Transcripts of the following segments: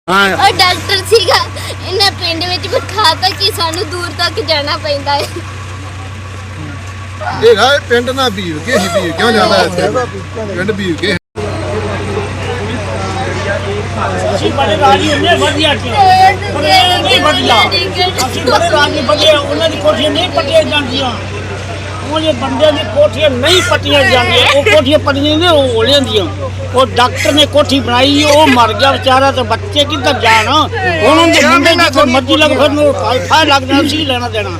और डॉक्टर सीगा इन्हें पिंड विच बिठाता कि सानू दूर तक जाना पैंदा है। ਇਹ ਹੈ ਪਿੰਡ ਨਾ ਵੀਰ ਕੇ ਹੀ ਵੀਰ ਕਿਉਂ ਜਾਂਦਾ ਹੈ ਪਿੰਡ ਵੀਰ ਕੇ ਅਸੀਂ ਬੜੇ ਰਾਜੀ ਹੁੰਦੇ ਵਧੀਆ ਚ ਨਹੀਂ ਵਧੀਆ ਅਸੀਂ ਬੜੇ ਰਾਜੀ ਵਧੀਆ ਉਹਨਾਂ ਦੀ ਕੋਠੀਆਂ ਨਹੀਂ ਪੱਟੀਆਂ ਜਾਂਦੀਆਂ ਉਹਦੇ ਬੰਦਿਆਂ ਦੀ ਕੋਠੀਆਂ ਨਹੀਂ ਪੱਟੀਆਂ ਜਾਂਦੀਆਂ ਉਹ ਕੋਠੀਆਂ ਪੱਟੀਆਂ ਨੇ ਉਹ ਹੋਲੀਆਂ ਦੀਆਂ ਉਹ ਡਾਕਟਰ ਨੇ ਕੋਠੀ ਬਣਾਈ ਉਹ ਮਰ ਗਿਆ ਵਿਚਾਰਾ ਤੇ ਬੱਚੇ ਕਿੱਧਰ ਜਾਣ ਉਹਨਾਂ ਦੇ ਮੁੰਡੇ ਜਿੱਥੇ ਮਰਜ਼ੀ ਲੱਗ ਫਿਰ ਨੂੰ ਫਾਇਦਾ ਲੱਗਦਾ ਸੀ ਲੈਣਾ ਦੇਣਾ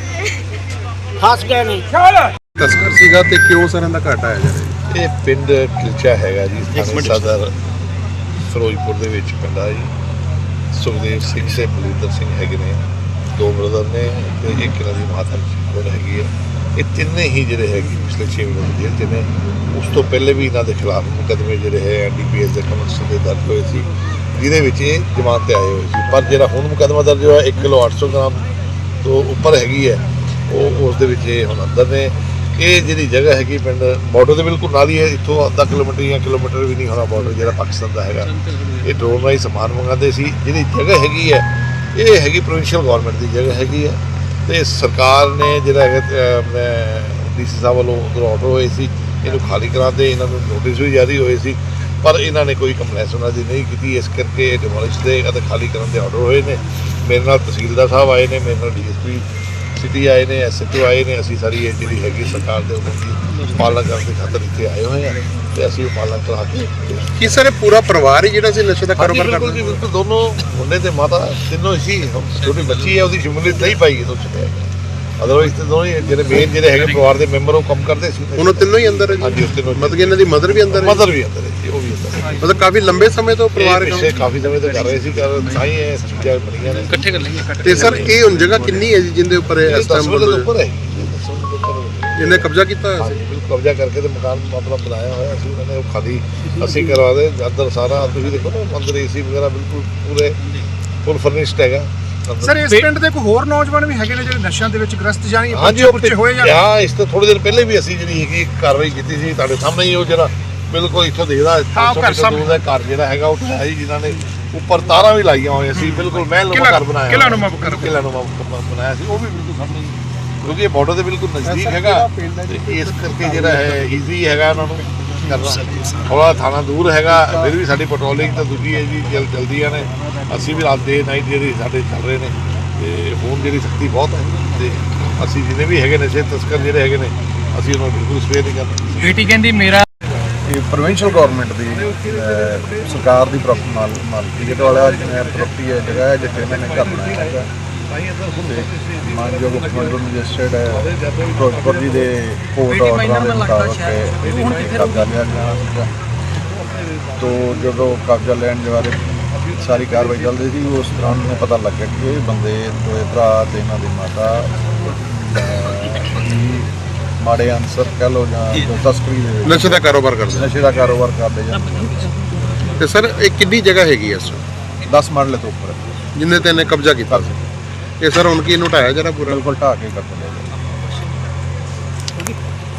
ਫਸ ਗਏ ਨੇ ਤਸਕਰ ਸੀਗਾ ਤੇ ਕਿਉਂ ਸਰ ਇਹਦਾ ਘਾਟਾ ਆਇਆ ਜੀ ਇਹ ਪਿੰਡ ਕਿਲਚਾ ਹੈਗਾ ਜੀ ਥਾਣੇ ਸਦਰ ਫਿਰੋਜ਼ਪੁਰ ਦੇ ਵਿੱਚ ਪੈਂਦਾ ਜੀ ਸੁਖਦੇਵ ਸਿੰਘ ਤੇ ਬਲਵਿੰਦਰ ਸਿੰਘ ਹੈਗੇ ਨੇ ਦੋ ਬ੍ਰਦਰ ਨੇ ਤੇ ਇੱਕ ਇਹਨਾਂ ਦੀ ਮਾਤਾ ਹੈਗੀ ਹੈ ਇਹ ਤਿੰਨੇ ਹੀ ਜਿਹੜੇ ਹੈਗੇ ਪਿਛਲੇ 6 ਮਹੀਨੇ ਜੇਲ੍ਹ 'ਚ ਨੇ ਉਸ ਤੋਂ ਪਹਿਲੇ ਵੀ ਇਹਨਾਂ ਦੇ ਖਿਲਾਫ ਮੁਕੱਦਮੇ ਜਿਹੜੇ ਹੈ NDPS ਦੇ ਕਮਿਸ਼ਨ ਦੇ ਦਰਜ ਹੋਏ ਸੀ ਜਿਹਦੇ ਵਿੱਚ ਇਹ ਜ਼ਮਾਨਤ ਤੇ ਆਏ ਹੋਏ ਸੀ ਪਰ ਜਿਹੜਾ ਹੁਣ ਮੁਕੱਦਮਾ ਦਰਜ ਹੋਇਆ 1 ਕਿਲੋ 800 ਗ੍ਰਾਮ ਤੋਂ ਉੱਪਰ ਹੈਗੀ ਹੈ ਉਹ ਉਸ ਦੇ ਵਿੱਚ ਇਹ ਹੁਣ ਅੰਦਰ ਨੇ ਇਹ ਜਿਹੜੀ ਜਗ੍ਹਾ ਹੈਗੀ ਪਿੰਡ ਬਾਰਡਰ ਦੇ ਬਿਲਕੁਲ ਨਾਲ ਹੀ ਹੈ ਇੱਥੋਂ ਅੱਧਾ ਕਿਲੋਮੀਟਰ ਜਾਂ ਕਿਲੋਮੀਟਰ ਵੀ ਨਹੀਂ ਹੋਣਾ ਬਾਰਡਰ ਜਿਹੜਾ ਪਾਕਿਸਤਾਨ ਦਾ ਹੈਗਾ ਇਹ ਡਰੋਨ ਰਾਹੀਂ ਸਮਾਨ ਮੰਗਾਉਂਦੇ ਸੀ ਜਿਹੜੀ ਜਗ੍ਹਾ ਹੈਗੀ ਹੈ ਇਹ ਹੈਗੀ ਪ੍ਰੋਵਿੰਸ਼ੀਅਲ ਗੌਰਮੈਂਟ ਦੀ ਜਗ੍ਹਾ ਹੈਗੀ ਹੈ ਤੇ ਸਰਕਾਰ ਨੇ ਜਿਹੜਾ ਹੈਗਾ DC ਸਾਹਿਬ ਵੱਲੋਂ ਉਧਰ ਆਰਡਰ ਹੋਏ ਸੀ ਇਹਨੂੰ ਖਾਲੀ ਕਰਾ ਦੇ ਇਹਨਾਂ ਨੂੰ ਨੋਟਿਸ ਵੀ ਜਾਰੀ ਹੋਏ ਸੀ ਪਰ ਇਹਨਾਂ ਨੇ ਕੋਈ ਕੰਪਲੇਂਟ ਉਹਨਾਂ ਦੀ ਨਹੀਂ ਕੀਤੀ ਇਸ ਕਰਕੇ ਡਿਮੋਲਿਸ਼ ਦੇ ਅਤੇ ਖਾਲੀ ਕਰਨ ਦੇ ਆਰਡਰ ਹੋਏ ਨੇ ਮੇਰੇ ਨਾਲ ਤਹਿਸੀਲਦਾਰ ਸਾਹਿਬ ਆਏ ਨੇ ਮੇਰੇ ਨਾਲ DSP ਸਿਟੀ ਆਏ ਨੇ SHO ਆਏ ਨੇ ਅਸੀਂ ਸਾਰੀ ਇਹ ਜਿਹੜੀ ਹੈਗੀ ਸਰਕਾਰ ਦੇ ਹੁਕਮ ਦੀ ਪਾਲਣਾ ਕਰਨ ਦੀ ਖਾਤਰ ਇੱਥੇ ਆਏ ਹੋਏ ਹਾਂ ਤੇ ਅਸੀਂ ਉਹ ਪਾਲਣਾ ਕਰਾ ਕੇ ਕੀ ਸਰ ਪੂਰਾ ਪਰਿਵਾਰ ਹੀ ਜਿਹੜਾ ਸੀ ਨਸ਼ੇ ਦਾ ਕਾਰੋਬਾਰ ਕਰਦਾ ਜੀ ਬਿਲਕੁਲ ਦੋਨੋਂ ਮੁੰਡੇ ਤੇ ਮਾਤਾ ਤਿੰਨੋਂ ਸੀ ਛੋਟੀ ਬੱਚੀ ਹੈ ਉਹਦੀ ਸ਼ਮੂਲੀਅਤ ਨਹੀਂ ਪਾਈ ਇਹਦੇ ਵਿੱਚ ਅਦਰਵਾਈਜ਼ ਤੇ ਦੋਵੇਂ ਜਿਹੜੇ ਮੇਨ ਜਿਹੜੇ ਹੈਗੇ ਪਰਿਵਾਰ ਦੇ ਮੈਂਬਰ ਉਹ ਕੰਮ ਕਰਦੇ ਸੀ ਹੁਣ ਤਿੰਨੋਂ ਹੀ ਅੰਦਰ ਹੈ ਜੀ ਹਾਂਜੀ ਉਸ ਤਿੰਨੋਂ ਮਤਲਬ ਕਿ ਇਹਨਾਂ ਦੀ ਮਦਰ ਵੀ ਅੰਦਰ ਹੈ ਮਦਰ ਵੀ ਅੰਦਰ ਹੈ ਜੀ ਉਹ ਵੀ ਅੰਦਰ ਹੈ ਮਤਲਬ ਕਾਫੀ ਲੰਬੇ ਸਮੇਂ ਤੋਂ ਪਰਿਵਾਰ ਪਿਛਲੇ ਕਾਫੀ ਸਮੇਂ ਤੋਂ ਕਰ ਰਹੇ ਸੀ ਤਾਂ ਹੀ ਇਹ ਚੀਜ਼ਾਂ ਬਣੀਆਂ ਨੇ ਇਕੱਠੇ ਕਰ ਲਈਏ ਤੇ ਸਰ ਇਹ ਹੁਣ ਜਗ੍ਹਾ ਕਿੰਨੀ ਹੈ ਜੀ ਜਿੰਦੇ ਉੱਪਰ ਇਸ ਟਾਈਮ ਉੱਪਰ ਹੈ ਇਹਨੇ ਕਬਜ਼ਾ ਕੀਤਾ ਹੋਇਆ ਸੀ ਬਿਲਕੁਲ ਕਬਜ਼ਾ ਕਰਕੇ ਤੇ ਮਕਾਨ ਆਪਣਾ ਬਣਾਇਆ ਹੋਇਆ ਸੀ ਉਹਨਾਂ ਨੇ ਉਹ ਖਾਲੀ ਅਸੀਂ ਕਰਵਾ ਦੇ ਅੰਦਰ ਸਾਰਾ ਤੁਸੀਂ ਦੇਖੋ ਨਾ ਅੰਦਰ AC ਵਗੈਰਾ ਬਿਲਕੁਲ ਪੂਰੇ ਫੁੱਲ ਫਰਨਿਸ਼ਡ ਹੈਗਾ ਸਰ ਇਸ ਪਿੰਡ ਦੇ ਕੋਈ ਹੋਰ ਨੌਜਵਾਨ ਵੀ ਹੈਗੇ ਨੇ ਜਿਹੜੇ ਨਸ਼ਿਆਂ ਦੇ ਵਿੱਚ ਗ੍ਰਸਤ ਜਾਣੀ ਹਾਂਜੀ ਉਹ ਹੋਏ ਜਾਂ ਹਾਂ ਇਸ ਤੋਂ ਥੋੜੇ ਦਿਨ ਪਹਿਲੇ ਵੀ ਅਸੀਂ ਜਿਹੜੀ ਹੈਗੀ ਕਾਰਵਾਈ ਕੀਤੀ ਸੀ ਤੁਹਾਡੇ ਸਾਹਮਣੇ ਹੀ ਉਹ ਜਿਹੜਾ ਬਿਲਕੁਲ ਇੱਥੋਂ ਦੇਖਦਾ ਘਰ ਜਿਹੜਾ ਹੈਗਾ ਉਹ ਹੈ ਜੀ ਜਿਨ੍ਹਾਂ ਨੇ ਉੱਪਰ ਤਾਰਾਂ ਵੀ ਲਾਈਆਂ ਹੋਈਆਂ ਸੀ ਬਿਲਕੁਲ ਮਹਿਲਨੁਮਾ ਘਰ ਬਣਾਇਆ ਕਿਲ੍ਹਾਨੁਮਾ ਬਣਾਇਆ ਸੀ ਉਹ ਵੀ ਬਿਲਕੁਲ ਸਾਹਮਣੇ ਕਿਉਂਕਿ ਇਹ ਬਾਰਡਰ ਦੇ ਬਿਲਕੁਲ ਨਜ਼ਦੀਕ ਹੈਗਾ ਤੇ ਇਸ ਕਰਕੇ ਜਿਹੜਾ ਹੈ ਈਜ਼ੀ ਹੈਗਾ ਉਹਨਾਂ ਨੂੰ ਕਰਨਾ ਥੋੜਾ ਥਾਣਾ ਦੂਰ ਹੈਗਾ ਫਿਰ ਵੀ ਸਾਡੀ ਪੈਟਰੋਲਿੰਗ ਤਾਂ ਦੂਜੀ ਹੈ ਜੀ ਚਲਦੀਆਂ ਨੇ ਅਸੀਂ ਵੀ ਰਾਤ ਦੇ ਨਾਈਟ ਜਿਹੜੀ ਸਾਡੇ ਚੱਲ ਰਹੇ ਨੇ ਤੇ ਹੁਣ ਜਿਹੜੀ ਸਖਤੀ ਬਹੁਤ ਹੈ ਤੇ ਅਸੀਂ ਜਿਹਨੇ ਵੀ ਹੈਗੇ ਨਸ਼ੇ ਤਸਕਰ ਜਿਹੜੇ ਹੈਗੇ ਨੇ ਅਸੀਂ ਉਹਨਾਂ ਨੂੰ ਬਿਲਕੁਲ ਸਵੇਰ ਨਹੀਂ ਕਰਦੇ ਬੇਟੀ ਕਹਿੰਦੀ ਮੇਰਾ ਇਹ ਪ੍ਰੋਵਿੰਸ਼ੀਅਲ ਗਵਰਨਮੈਂਟ ਦੀ ਸਰਕਾਰ ਦੀ ਮਾਲਕੀ ਜਿਹਦੇ ਵਾਲਾ ਪ੍ਰੋਪਰਟੀ ਹੈ ਜਗ੍ਹਾ ਹੈ ਜਿੱਥੇ ਇਹਨਾਂ ਨੇ ਘਰ ਬਣਾਇਆ ਹੈਗਾ ਮਾਨਯੋਗ ਮੁੱਖ ਮੈਜਿਸਟਰੇਟ ਹੈ ਫਿਰੋਜ਼ਪੁਰ ਜੀ ਦੇ ਕੋਰਟ ਆਰਡਰਾਂ ਦੇ ਮੁਤਾਬਕ ਇਹਦੀ ਕਬਜ਼ਾ ਲਿਆ ਗਿਆ ਸੀਗਾ ਤੋ ਜਦੋਂ ਕਬਜ਼ਾ ਲੈਣ ਦੇ ਬਾਰੇ ਸਾਰੀ ਕਾਰਵਾਈ ਚੱਲਦੀ ਸੀ ਉਸ ਦੌਰਾਨ ਨੂੰ ਪਤਾ ਲੱਗਿਆ ਕਿ ਇਹ ਬੰਦੇ ਦੋਏ ਭਰਾ ਤੇ ਇਹਨਾਂ ਦੀ ਮਾਤਾ ਮਾੜੇ ਅਨਸਰ ਕਹਿ ਲਓ ਜਾਂ ਤਸਕਰੀ ਦੇ ਨਸ਼ੇ ਦਾ ਕਾਰੋਬਾਰ ਕਰਦੇ ਨਸ਼ੇ ਦਾ ਕਾਰੋਬਾਰ ਕਰਦੇ ਜਾਂਦੇ ਤੇ ਸਰ ਇਹ ਕਿੰਨੀ ਜਗ੍ਹਾ ਹੈਗੀ ਇਸ 10 ਮਰਲੇ ਤੋਂ ਉੱਪਰ ਜਿੰਨੇ ਤੇ ਇਹਨੇ ਕਬਜ਼ਾ ਕੀਤਾ ਸੀ ਇਹ ਸਰ ਹੁਣ ਕੀ ਇਹਨੂੰ ਢਾਇਆ ਜਰਾ ਪੂਰਾ ਬਿਲਕੁਲ ਢਾਹ ਕੇ ਕਰ ਦਿੰਦੇ